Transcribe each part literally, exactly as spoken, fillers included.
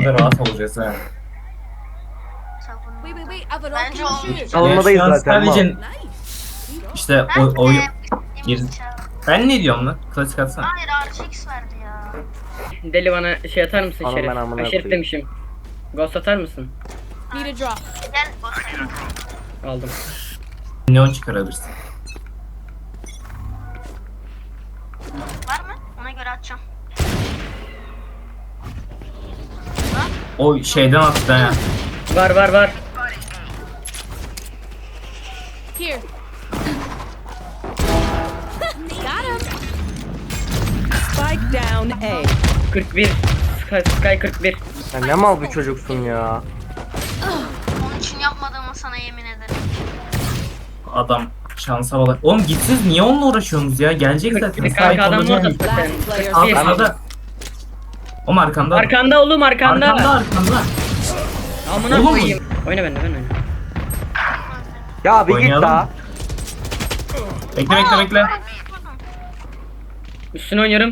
Savunmada rahat olacağız ha. Savunma. Wait, wait, wait. I've an Bence open olmuş. shoot. Savunmadayız Ya şu an zaten. sadece Nice. işte Ben o, o de gir. Ben ne diyorum lan? Klasik atsana. Hayır R X verdi ya. Deli bana şey atar mısın Anam Şerif? ben amına Ha, Şerif koyayım. demişim. Ghost atar mısın? Need a drop. Gel basayım. Aldım. Neon çıkarabilirsin. Var mı? Ona göre atacağım. O şeyden attı ha. Var var var. Here. Got him. Spike down A. kırk bir. Sky, Sky kırk bir. Sen ne mal bir çocuksun ya. Onun için yapmadığımı sana yemin ederim. Adam şansa bak. Oğlum gitsiz niye onunla uğraşıyorsunuz ya? Gelecek kırk zaten. bir kanka adam Sahip orada olacak. zaten. Last player kırk bir. Arkanda. O mu arkanda? Arkanda oğlum arkanda. Arkanda arkanda. Amına Oğlum. koyayım. Oyna bende ben oyna. Ya bir git Oynayalım daha. mı? Bekle bekle bekle. Üstüne oynuyorum.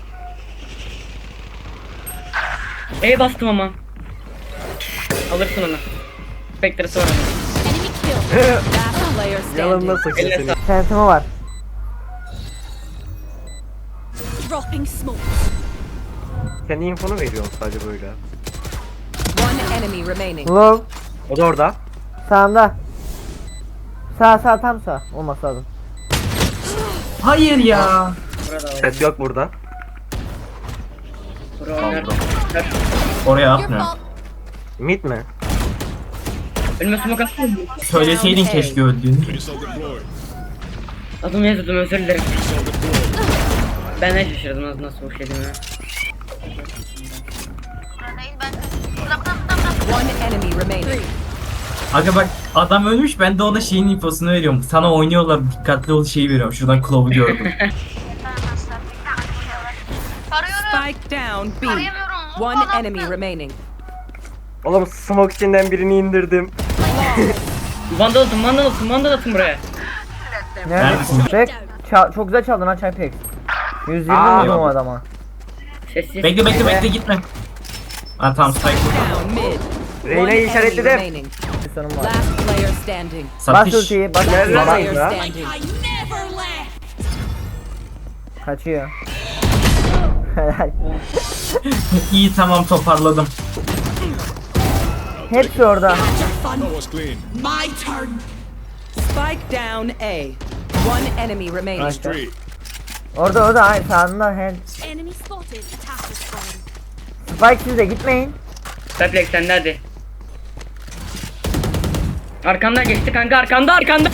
E bastım ama. Alırsın onu. Spectre'sı var onun. Enemy kill. Last player Yalanına standing. sakın Elle seni. sağ. Sentime var. Dropping smoke. Kendi infonu veriyorum sadece böyle. One enemy remaining. Low O da orada. sağında. Sağ sağ tam sağ. Olması lazım. Hayır ya. Burada oyna. Ses yok burada. Burada oynar. Oraya Your atmıyor. fault. Mid mi? Önüme smoke atsana. Söyleseydin keşke öldüğünü. Adımı yazdım özür dilerim. Ben de şaşırdım nasıl nasıl boş yedim ya. Burada değil ben. Burada burada burada burada. One enemy remaining. Aga bak adam ölmüş ben de ona şeyin infosunu veriyorum. Sana oynuyorlar dikkatli ol şeyi veriyorum. Şuradan kılavu gördüm. Ben nasıl? Arıyorum. Spike down B. Arayamıyorum. One Adam- enemy remaining. Oğlum smoke içinden birini indirdim. Vandal atın vandal atın vandal atın buraya. Neredesin? Bek, ça- çok güzel çaldın ha Çaypek. yüz yirmi Aa, vurdum o yok. adama. Sessiz. Bekle bekle bekle gitme. Ha tamam strike burada. Down mid. One Reyna'yı enemy işaretledim. remaining. Bir sorun var. Last player standing. Bas Satış. ultiyi, bas Nerede? ultiyi. Last Bak player ya. standing. I never left. Kaçıyor. Helal. İyi tamam toparladım. Hepsi orada. My turn. Spike down A. One enemy remaining. Nice. Orada orada hayır sağında head. Enemy spotted. Attacker spawn. Spike siz de gitmeyin. Reflex sen de hadi. Arkanda geçti kanka arkanda arkanda.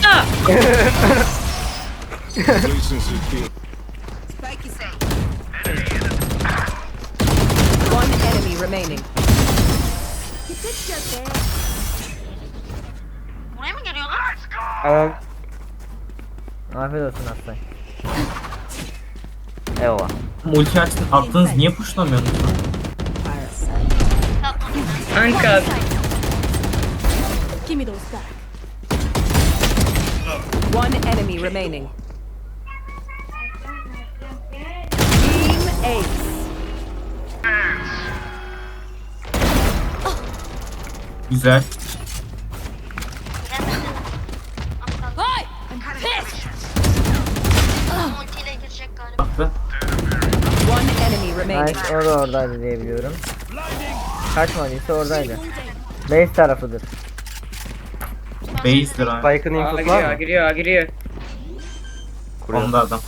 One enemy remaining. Buraya mı geliyorlar? Evet. Afiyet olsun Aslan. Eyvallah. Multi açtın attınız niye pushlamıyorsunuz lan? Yapmadım. Kanka Give me those back. One enemy remaining. Team Ace. Güzel. Hi. I'm pissed. Multiyle girecek galiba. Attı. One enemy remaining. Nice o da oradaydı diye biliyorum. Kaçmadıysa oradaydı. Base tarafıdır. Base'dir ha. Spike'ın A infosu giriyor var A mı? giriyor A giriyor. Onda adam.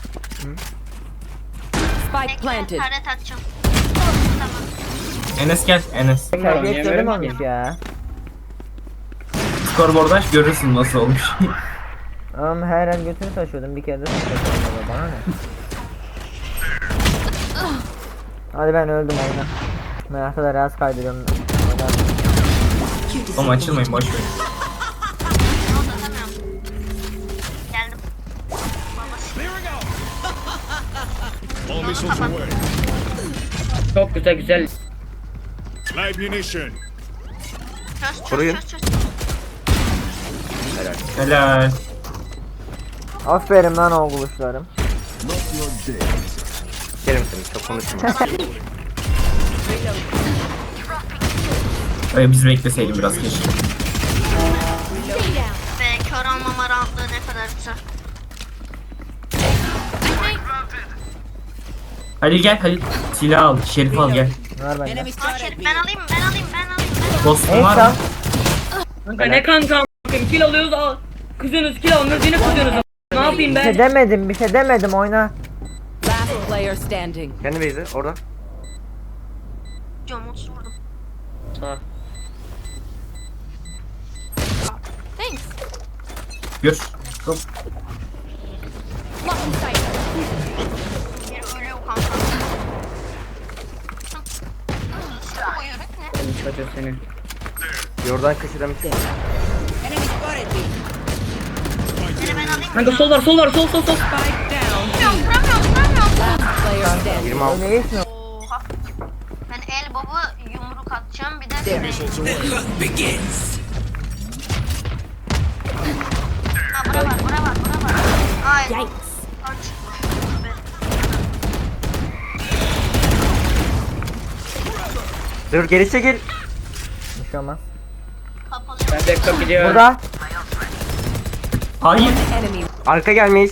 Spike planted. Taret atacağım. Tamam. Enes gel Enes. Çaypek oynayamıyorum ölüm ki. olmuş ya. Scoreboard aç görürsün nasıl olmuş. Ama her an götünü taşıyordum bir kere de taşıyordum bana ne? Hadi ben öldüm oyna. Merakla da rahatsız kaydırıyorum. Oğlum açılmayın boş verin. Onu da atamıyorum. Geldim. All missiles away. Çok güzel güzel. Live munition. Çöz çöz Koruyun. çöz çöz. Helal. Aferin lan o buluşlarım. Kerim seni çok konuşma. Öyle biz bekleseydim biraz keşke. Stay down. Ve kör almama rahatlığı ne kadar güzel. Halil gel Halil. Silah al. Şerif al gel. Var bende. Enemy Aa, spotted Şerif B. ben alayım ben alayım ben alayım. Ben Dostum Neyse. var mı? Kanka ne kanka a**ayım, kill alıyoruz al. Kızıyorsunuz kill almıyoruz yine kızıyorsunuz. Ne yapayım Bir şey ben? demedim, bir şey demedim oyna. Last player standing. Kendi base'i orada. Diyorum otuz vurdum. Sağ. Thanks. Gör. Hop. Lock in sight. Biri ölüyor kanka. Bu yürek ne? Çocuğu seni. Yordan köşeden bir şey. Enemy spotted B. Biri ben alayım. Kanka sol var sol var sol sol sol. Spike down. Vuramıyorum vuramıyorum vuramıyorum. Last player standing. yirmi altı. Ne iyisin? Oha. Ben el baba yumruk atacağım bir de şey. Missiles away. Ha bura var bura var bura var. Ay. Yikes. Aç. Dur geri çekil. Bir şey olmaz. Kapalı. Ben backup gidiyorum. Burada. Hayır. Enemy. Arka gelmiş.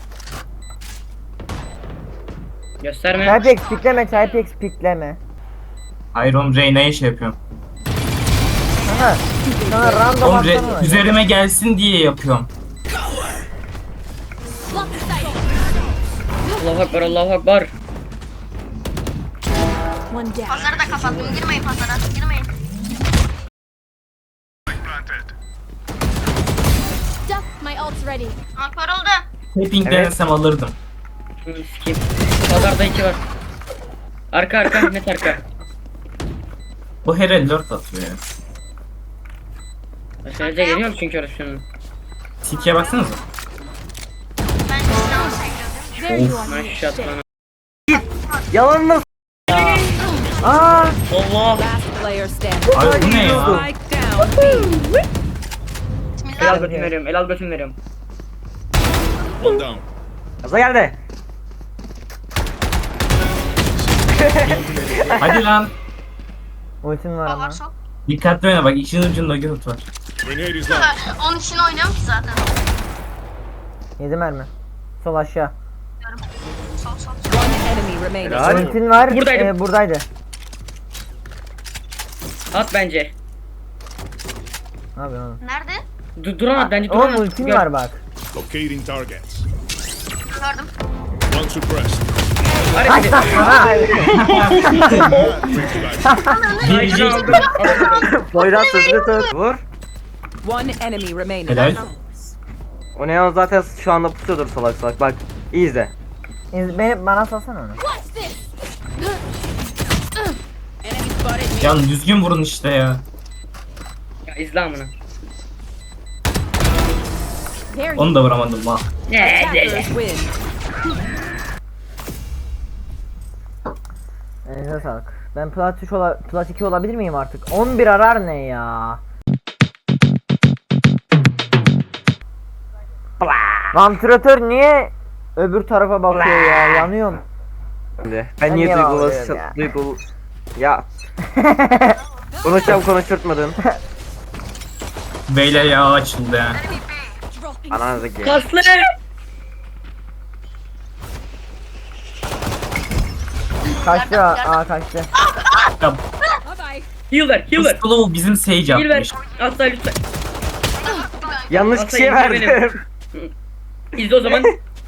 Gösterme. Typex pikleme, Typex pikleme. Hayır oğlum Reyna'ya şey yapıyorum. Aha. Sana random Oğlum atsana. Re- üzerime gelsin diye yapıyorum. Lock in sight. Allahu akbar Allahu akbar. One down. Pazarı da kapattım. Girmeyin pazara. Girmeyin. Duck. My ult's ready. Akbar oldu. Tapping Evet. denesem alırdım. Şunu sikeyim. Pazarda iki var. Arka arka net arka. Bu her el dört atıyor ya. Aşağıya geliyor mu çünkü orası şunun. Tikiye baksanıza. Ben silahı seviyorum. There you are. Maşallah lan. Yalan nasıl? Aa, Allah. Last player standing. Abi bu ne ya? Spike down B. El al Bismillah. götüm veriyorum. El al götüm veriyorum. One down. Gaza geldi. Hadi lan. ultin var Bak ama. var sol. Dikkatli oyna bak işin ucunda göt var. Grenade is launched. Onun için oynuyorum ki zaten. Yedi mermi. Sol aşağı. Sol sol sol. One enemy remaining. Helal. Ultin var. Buradaydım. e, buradaydı. At bence. Ne yapıyorsun oğlum? Nerede? Du duramaz bence Oğlum duramaz. ultin Gör. var bak. Locating targets. Gördüm. One suppressed. Hadi. Birinci. Poyraz sözünü tut. Vur. One enemy remaining. Helal. O Neon zaten şu anda pusuyordur salak salak. Bak iyi izle. İz, beni, bana salsana onu. What's this? Enemy spotted B. Can düzgün vurun işte ya. Ya izle amına. There you Onu da vuramadım ha. Ne Attackers win. Elinize sağlık. Ben plat üç ola, plat iki olabilir miyim artık? on bir arar ne ya? Vantilatör niye öbür tarafa bakıyor ya? Yanıyorum. Şimdi. Ben Ben niye niye duygulu bağlıyorum ya? duygulu ya. Konuşacağım konuşturtmadın. Beyler ya açıldı ya. dropping. Ananızdaki. Kaslı. Kaçtı aa kaçtı. Ya, Bye bye. Heal ver heal bu ver. Slow bizim Sage Heal ver. yapmış. Asla lütfen. Yanlış Aslında kişiye indir benim. verdim. İzle o zaman.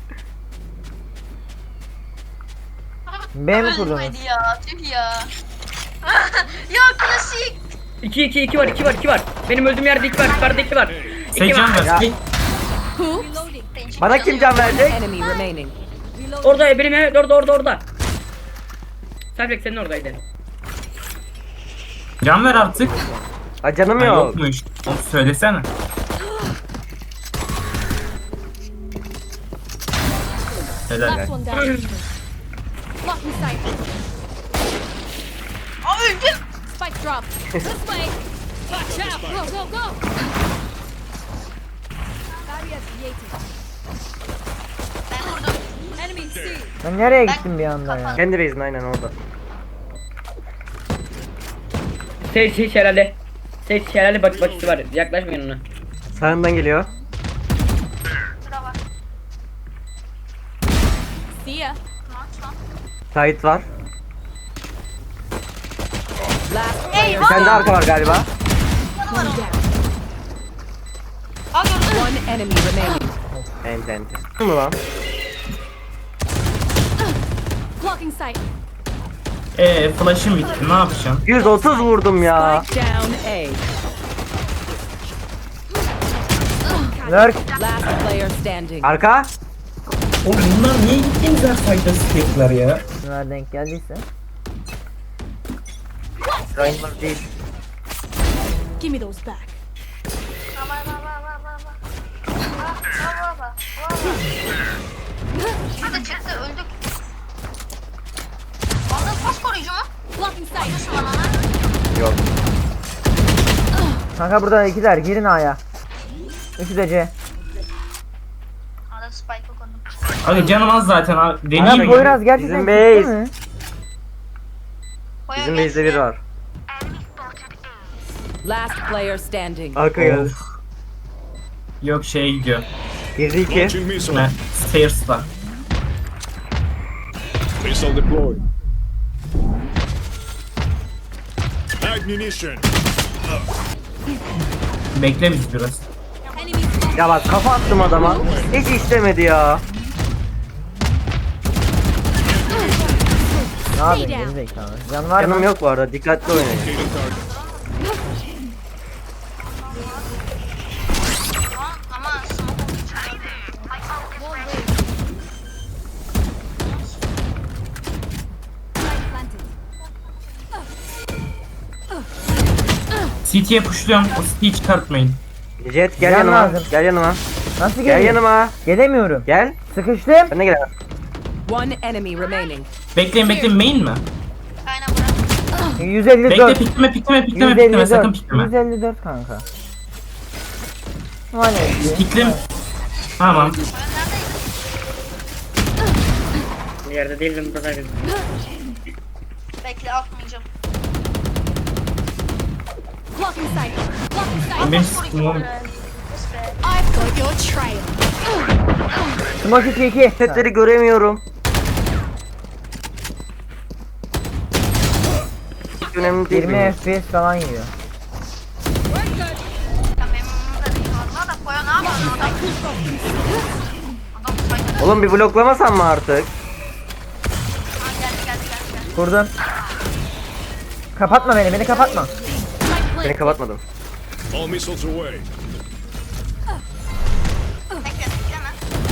B mi kurdunuz? Ölmedi ya. Tüh ya. Ya klasik. iki iki iki var iki var iki var. Benim öldüğüm yerde iki var. Yukarıda iki var. İki Sage can var. ver. Ya. Sage. Reloading. Bana kim can verecek? Enemy remaining. Orada benim evet orada orada orada. Selbek senin oradaydı. Can ver artık. Ha canım Ha, yok. yokmuş. Onu söylesene. Helal. Last one down. Lock in sight. Aa öldüm. Spike drop. This way. Watch out. Go, go, go. Barrier created. Ben vurdum. Enemy C. Ben nereye gittim bir anda ya? Kendi base'in aynen orada. Şey şey herhalde. Tek şelale bak bakısı var. Yaklaşmayın ona. Sağından geliyor. Şura var. See ya. Maç lan. Sait var. Last Ey Bir tane de arka var galiba. Aa gördüm. one enemy remaining. Ent ent. Mı lan? Blocking sight. Eee flash'ım bitti ne yapacağım? yüz otuz vurdum ya. Spike down A. Lurk. Last player standing. Arka. Oğlum bunlar niye gittiğimiz her faydası tekrar ya? Bunlar denk geldiyse. Rainbow değil. Give me those back. Baba baba baba baba. Baba baba baba. Hadi çıktı öldük. Aldın pas koruyucu mu? Blocking sight. Nasıl bana lan? Yok. Kanka burada ikiler girin A'ya. Üçü de C. Arada spike'ı koydum. Abi canım az zaten abi. Ana Deneyeyim mi? Poyraz gerçekten Bizim gitti base. mi? Koya Bizim geçti. base'de biri var. Last player standing. Arka geldi. Of. Yok şeye gidiyor. Girdi iki. Launching missile. Ne? Stairs'la. Missile deployed. Light munition. Bekle biz biraz. Enemy spotted. Ya bak kafa attım adama. Hiç istemedi ya. Ne yapayım geri zekalı. Can var mı? Canım yok bu arada. Dikkatli oynayın. Locating target. Ama ama smoke olduğu için iyiydi. Light planted. C T'ye pushluyorum. O C T'yi çıkartmayın. Jet gel Can yanıma. lazım. Gel yanıma. Nasıl Gel geleyim? yanıma. Gelemiyorum. Gel. Sıkıştım. Ben de gel. One enemy remaining. Bekleyin bekleyin main mi? Aynen bırak. yüz elli Bekle dört. pikleme pikleme pikleme yüz pikleme elli sakın dört. pikleme. yüz elli dört kanka. Vay ne? Piklim. Tamam. Bir yerde değildim buradaydım. Bekle atmayacağım. Blocking sight. Blocking sight. Benim Pas koruyucu sıkıntım böyle. Yes be. I've got your trail. Smoke iki iki. Setleri göremiyorum. Hiç önemli değil. yirmi benim. F P S falan yiyor. Ya benim umurumda değil valla da Koya ne yapıyorsun adam? Adam spike'ı. Oğlum bir bloklamasan mı artık? Ha geldi geldi geldi geldi. Kurdum. Kapatma beni, beni kapatma. Seni kapatmadım. All missiles away. Bekle bekleme.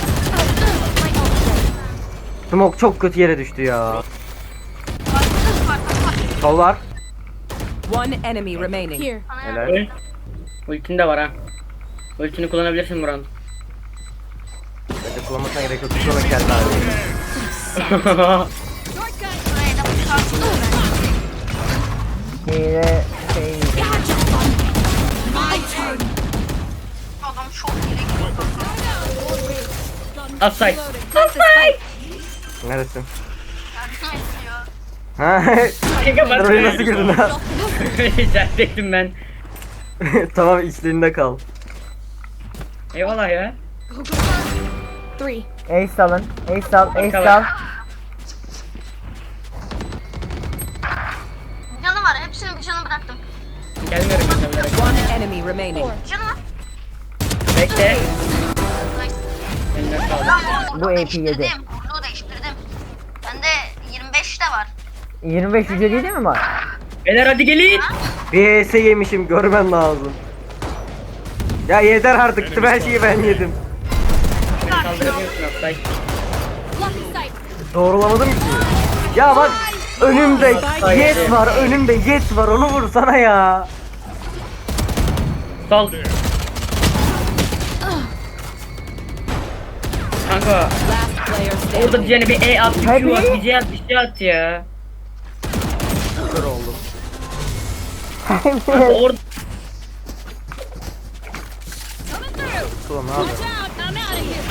Smoke çok kötü yere düştü ya. Var var var. Sol var. One enemy remaining. Here. Ana Helal. Öl. Ultin de var ha. Ultini kullanabilirsin Murat. Bence kullanmasına gerek yok. Bir sonraki geldi abi. Shortcut. şuraya da bıçarsın. Hile şey yiyeceğim. My turn. Adam çok yere gidiyor. Upside. Upside. Neresin? Yardım ediyor. Ha? Kanka Sen oraya nasıl girdin ha? İçerideydim ben. Tamam içlerinde kal. Eyvallah ya. Go, go, go. Three. Ace alın. Ace al, ace Bakalım. al. Canı var. Hepsinin bir canı bıraktım. Gelmiyorum ben de. One enemy remaining. Canı var. Bekle. Like, Eline sağlık. ben Bu bu A P değiştirdim. yedi. Kurluğu değiştirdim. Bende yirmi beş de var. yirmi beş yüce değil mi var? Beyler hadi gelin. Bir E S yemişim görmen lazım. Ya yeter artık. Tüm her şeyi ben yedim. Beni kaldırabiliyorsun upside. Blocking sight. Doğrulamadım ki. Ya bak önümde Jet var. Önümde Jet var. Onu vursana ya. Sol. Kanka Last player orada standing. diyeceğine bir E at, bir Q at, Hadi. bir C at, bir şey at ya. Kör oldum. Kanka orada Ulan ne Watch yapıyorsun? out. I'm out of here.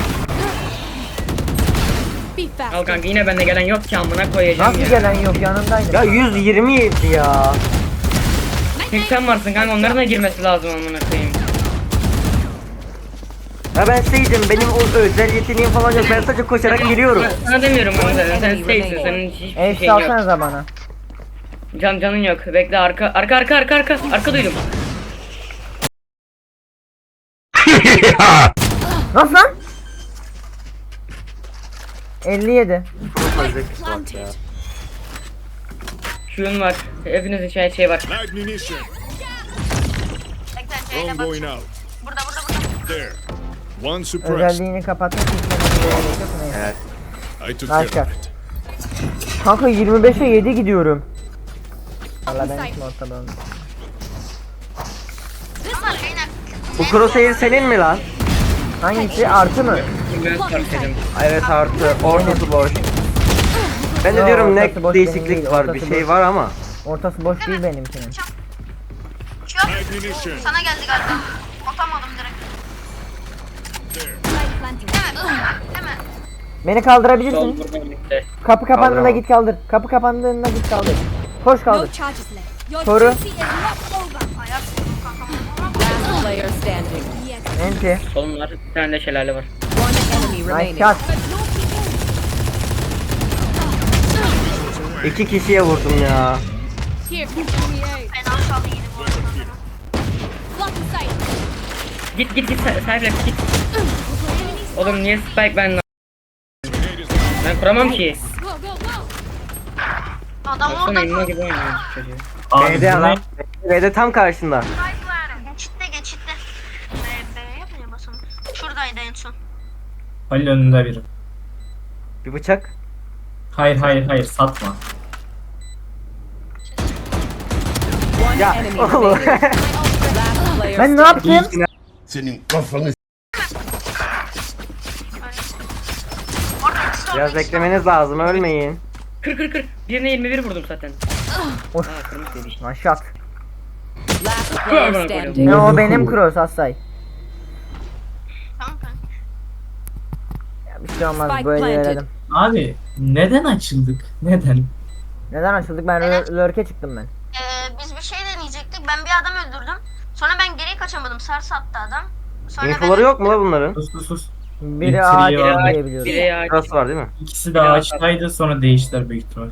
Be al fast. kanka yine bende gelen yok ki amına koyacağım Nasıl ya. gelen yok yanındaydı. Ya yüz yirmi yedi ya. Çünkü sen varsın kanka, onların da girmesi lazım amına koyayım. Ya ben Sage'im, benim o özel yeteneğim falan yok. Ben sadece koşarak geliyorum. Ben sana demiyorum kanka, sen safe'sin, senin hiçbir Ace şeyin yok. alsanıza bana. Can canın yok. Bekle, arka arka arka arka arka arka duydum. Nasıl lan? elli yedi. Planted. Şuyun var. Hepinizin şey şey var. Light munition. Bekle C'yle Drone bak. going out. Burada burada burada. There. One suppressed. Özelliğini kapatmak için neyse. I took care Başka. of it. Kanka yirmi beşe yedi gidiyorum. Valla ben hiç ortada olmadım. Ama Reyna Bu crosshair senin mi lan? Hangisi? Artı mı? Ben farkladım. Evet artı. Ortası boş. Ben de Yo, diyorum ne ortası boş benim değil, değişiklik var, bir ortası şey boş. var ama. Ortası boş değil benimkinin. uçuyor. Light munition. Sana geldi galiba. Atamadım direkt. There. Spike planted. Değil mi? Beni Sol kaldırabilirsin. buradan gitti. Kapı kapandığında Kaldıramam. git kaldır. Kapı kapandığında git kaldır. Koş No kaldır. charges left. Your Soru. duty is not over. Ayak vurdum kankama. Last player standing. Yes. Enti. Solun var. Bir tane de şelale var. One enemy Nice remaining. shot. But no people. İki kişiye vurdum ya. Here, give me a. Fena çaldı yedi bu arada. Block the sight. Git git git sahipler git. Oğlum niye spike ben Ben kuramam ki. Go, go, go. Adam Baksana orada elma gibi oynuyor çocuğu. Abi B'de bu adam. ne? B'de tam karşında. geçitte geçitte. B, B yapınca basalım. Şuradaydı en son. Halil önünde biri. Bir bıçak. Hayır hayır hayır satma. One Ya enemy oğlum. remaining. Last player Ben ne yaptım? Senin kafanı Orada ikisi orada Biraz ikisi beklemeniz lazım, ölmeyin. Kır kır kır. Birine yirmi bir vurdum zaten. Of. Aa kırmızı demiş. One shot. Last player Bana standing. Ne o benim cross Asay. Tamam kanka. Ya bir şey olmaz Spike böyle planted. verelim. Abi neden açıldık? Neden? Neden açıldık? Ben lör- lurk'e çıktım ben. Ee, biz bir şey deneyecektik. Ben bir adam öldürdüm. Sonra ben geri kaçamadım. Sarı sattı adam. Sonra Infoları yok mu la bunların? Sus sus sus. Biri Biri ağaç var, diye biliyorum. Biri ya. Cross var değil mi? İkisi de ağaçtaydı sonra değiştiler büyük ihtimal.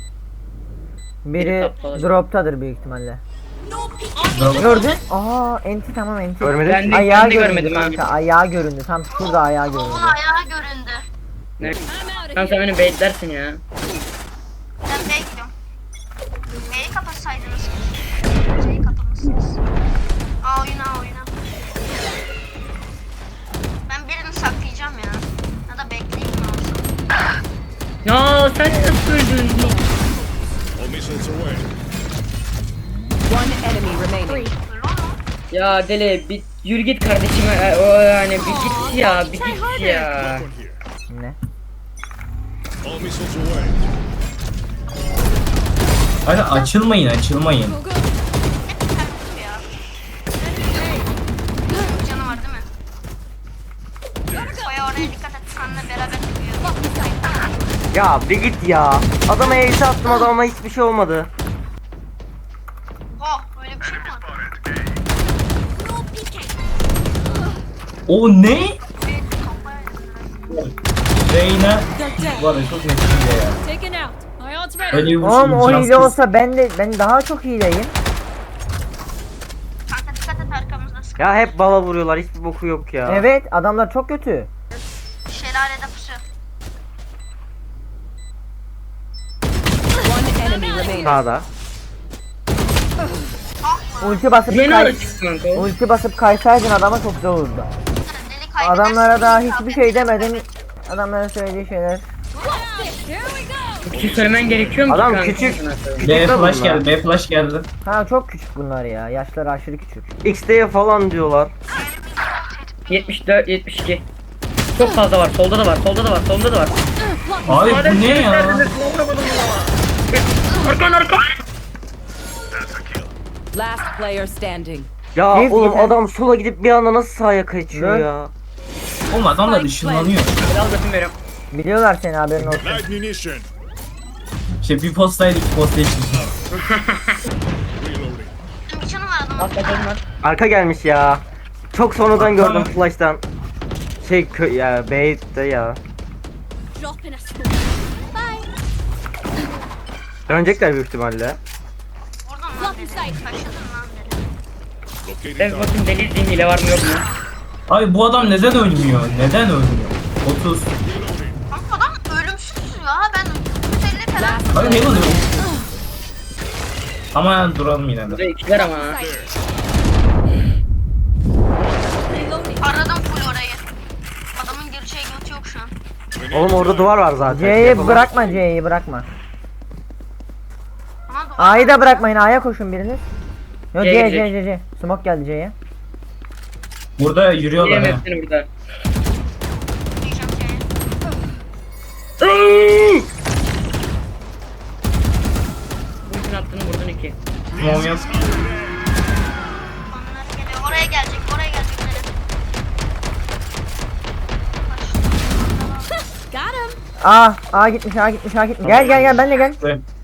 Biri droptadır büyük ihtimalle. Bravo. Gördün? Aa enti tamam enti. Görmedim. Ben de, Ayağı ben de göründü görmedim abi. kanka ayağı göründü. Tam şurada ayağı göründü. Onun ayağı göründü. Ne? I'm out Sen of sen here. beni baitlersin ya. Ben B'ye gidiyorum. B'yi kapatsaydınız. C'yi kapatmışsınız. Aa oyuna aa, oyuna. Ben birini saklayacağım ya. Ya da bekleyeyim mi olsun. Ya sen nasıl öldün? All missiles away. One enemy remaining. Öyle oldu. Ya deli bir yürü git kardeşim. e, O yani bir git ya, bir git ya. Weapon here. Ne? All missiles away. Hadi açılmayın açılmayın. Go, go. Hep bir tane kutu ya. Bir canı var değil mi? Koya oraya dikkat et. Seninle beraber gidiyor. Block the sight. Ya bir git ya. Adama ace attım, adama hiçbir şey olmadı. Oh öyle bir şey mi var? No peeking. O ne? Evet kafaya. Reyna var ya çok nefis ya. Taken out. My ult's ready. Öyle bir Oğlum o imkansız. hile olsa ben de ben daha çok hileyim. Kanka dikkat et arkamızda sıkı. Ya hep bala vuruyorlar, hiçbir boku yok ya. Evet adamlar çok kötü. Şelalede pusu. One enemy remaining. Sağda. Ulti basıp Yeni kay alışık kanka. ulti basıp kaysaydın adama çok zor olurdu. Deli kaybedersin. Adamlara daha hiçbir şey demedin. Adamlara söylediği şeyler. Here we go. Bir şey söylemen gerekiyor mu ki Adam kanka? küçük. B Küçük de flash bunlar. geldi, B flash geldi. Ha çok küçük bunlar ya. Yaşları aşırı küçük. X D'ye falan diyorlar. yetmiş dört yetmiş iki. Çok fazla var. Solda da var. Solda da var. Solda da var. Abi bu ne ya? Arkan arkan. Last player standing. Ya Biz oğlum yine- adam sola gidip bir anda nasıl sağa kaçıyor Ne? ya? Oğlum adamlar ışınlanıyor. Al götüm veriyorum. Biliyorlar seni haberin olsun. Light munition. İşte bir postaydı iki postaya çıktı. Reloading. Bir canı Alt bakalım var. Arka gelmiş ya. Çok sonradan gördüm flash'tan. Şey kö ya B'de ya. Drop in a smoke. Bye. Dönecekler büyük ihtimalle. Oradan lan Block in dedi. sight. Kaçırdın lan dedi. Locating Ben target. bakayım deli izleyeyim hile var mı yok mu? Abi bu adam neden ölmüyor? Neden ölmüyor? otuz. Kanka adam ölümsüz ya. Ben yüz elli falan. Abi Heaven ölmüş. Ama duralım yine de. Burada ikiler ama ha. Reloading. Aradım full orayı. Adamın gireceği götü yok şu an. Oğlum orada duvar var zaten. C'yi Yapamam. bırakma, C'yi bırakma. Ama duvar- A'yı da bırakmayın, A'ya koşun biriniz. Yok C C'ye C girecek. C C. Smoke geldi C'ye. Burada yürüyorlar Yiyemez ha. seni burada. diyeceğim ki. Bütün attığını vurdun iki. Mom yok. Onları geliyor. Oraya gelecek. Oraya gelecek. Nereye? Got him. A, A gitmiş, A gitmiş, A gitmiş. Gel gel gel, benle gel.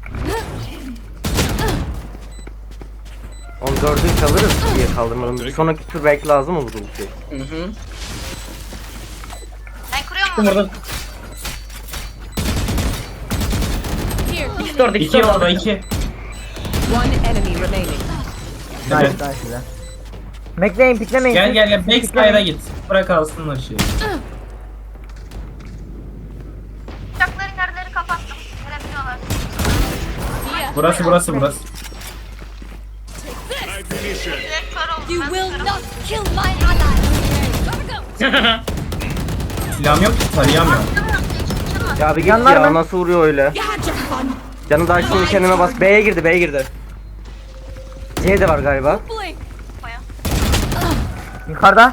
Onu dördünü kalırız diye kaldırmadım. Bir sonraki tur belki lazım olur bu şey. Hı hı. Ben kuruyorum Kim onu. orada? Here. İkisi de orada, ikisi İki de orada orada. iki. One enemy remaining. Nice, nice güzel. Bekleyin, piklemeyin. Gel siz. gel gel Siz backside'a piklemeyin. git. Bırak alsınlar şeyi. Bıçakların yerleri kapattım. Görebiliyorlar. Yeah. Burası burası burası. Night finisher. Direkt kör oldum. You ben will körüm. not kill my ally. Gotta go. Silahım yok ki tarayamıyorum. Ya bir git Yanlar ya mı? nasıl vuruyor öyle. You had your fun. Canı da şimdi kendime bas. B'ye girdi B'ye girdi. C de var galiba. Blink. Yukarıda.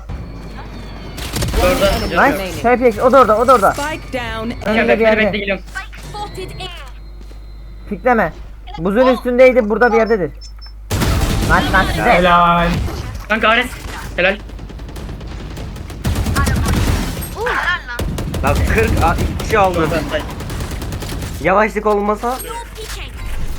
Orada. Nice. T P X, o da orada, o da orada. Spike down A. Önünde Bekle bir bekle yerde. geliyorum. Spotted in. Pikleme. Buzun üstündeydi, burada bir yerdedir. Nice nice size. Helal. Kanka Ares. Helal. Helal lan. Bak kırk a, iki kişi aldı. Orada. Yavaşlık olmasa No peeking.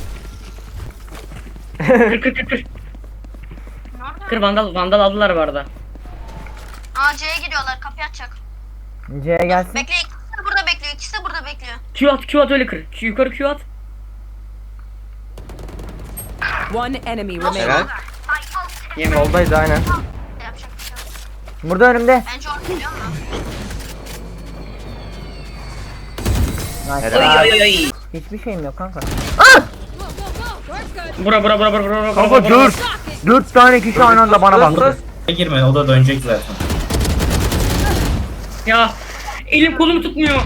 Kır kır kır kır. Nerede? Kır vandal, vandal aldılar bu arada. Aa C'ye gidiyorlar. Kapıyı açacak. C'ye gelsin. Bekle. İkisi de burada bekliyor. İkisi de burada bekliyor. Q at, Q at öyle kır. Q, yukarı Q at. One enemy helal. remaining. Yeme. Soldaydı aynen. Yapacak bir şey yok. Burada önümde. Bence onu biliyor musun? Nice. Oy oy oy oy. Hiçbir şeyim yok kanka. Go, go, go. Work good. Bura bura bura bura bura bura. Kanka bura, bura. dur. Dört tane kişi aynı anda bana baktı. Girme o da dönecek zaten. Ya elim kolumu tutmuyor.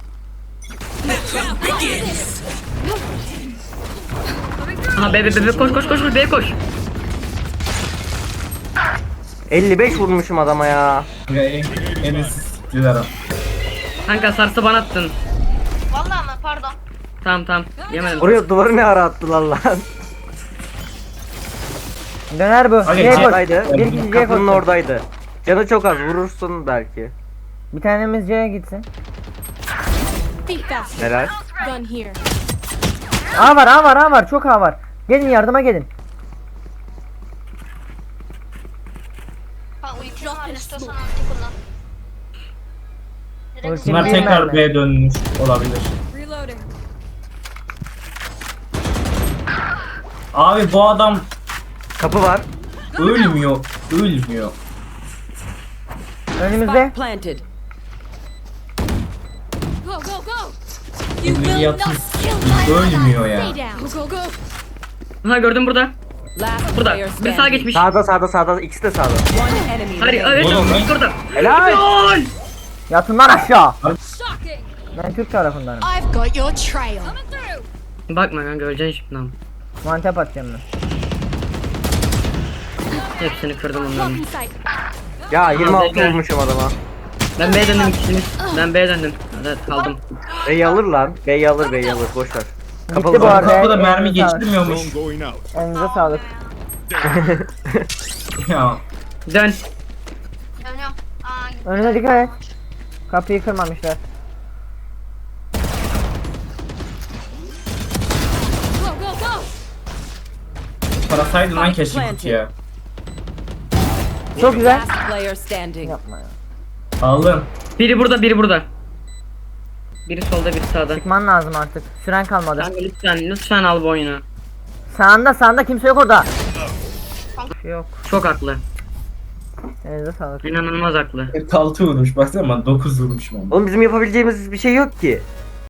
Aha bebe bebe koş koş koş koş bebe koş. elli beş vurmuşum adama ya. Enes siktiler o. Kanka sarsı bana attın. Vallahi mı? Pardon. Tamam tamam yemedim. Oraya duvarı ne ara attılar lan. Döner bu. Hadi, C'ye koş. Oradaydı. Bir kişi C'ye Kapının koşsun. oradaydı. Canı çok az vurursun belki. Bir tanemiz C'ye gitsin. Be fast. Helal. Gun here. A var, A var, A var. Çok A var. Gelin yardıma gelin. Ha ulti var. İstiyorsan ulti kullan. Direkt Ulti Bunlar bir tekrar mermi. B'ye dönmüş olabilir. Reloading. Abi bu adam Kapı var. ölmüyor. Ölmüyor. Önümüzde. Spike planted. Go, go, go. You Elini will yatın. not kill my Ölmüyor ally. ya. Stay down. Go, go, go. Ha gördüm burada. Last Burada. player Bir sağa standing. geçmiş. Sağda sağda sağda ikisi de sağda. One enemy Hadi remaining. evet Oğlum, evet lan. orada. Helal. Gol. Yatın lan aşağı. Shocking. Ben Türk tarafındanım. I've got your trail. Coming through. Bakma kanka öleceksin şimdi lan. Mantep atacağım ben. Hepsini kırdım Block onların. in sight. Ya yirmi altı Helal. vurmuşum adama. Ben B'ye döndüm ikisini. Ben B'ye döndüm. Evet kaldım. B'yi alır lan. B'yi alır B'yi alır boş ver. Kapalı Gitti bu var. arada. Kapıda mermi Elinize sağlık. geçirmiyormuş. Drone going out. Elinize sağlık. Ya. Dön. dönüyorum. Aa gitti. Önüne dikkat et. Kapıyı kırmamışlar. Go, go, go. Parasaydın lan keşke kutuya. Çok güzel. Last player standing. Yapma ya. Aldım. Biri burada, biri burada. Biri solda, biri sağda. Çıkman lazım artık. Süren kalmadı. Kanka lütfen, lütfen al bu oyunu. Sağında sağında kimse yok orada. Şey yok. Çok haklı. Elinize sağlık. İnanılmaz haklı. kırk altı vurmuş baksana, dokuz vurmuş ben. Oğlum bizim yapabileceğimiz bir şey yok ki.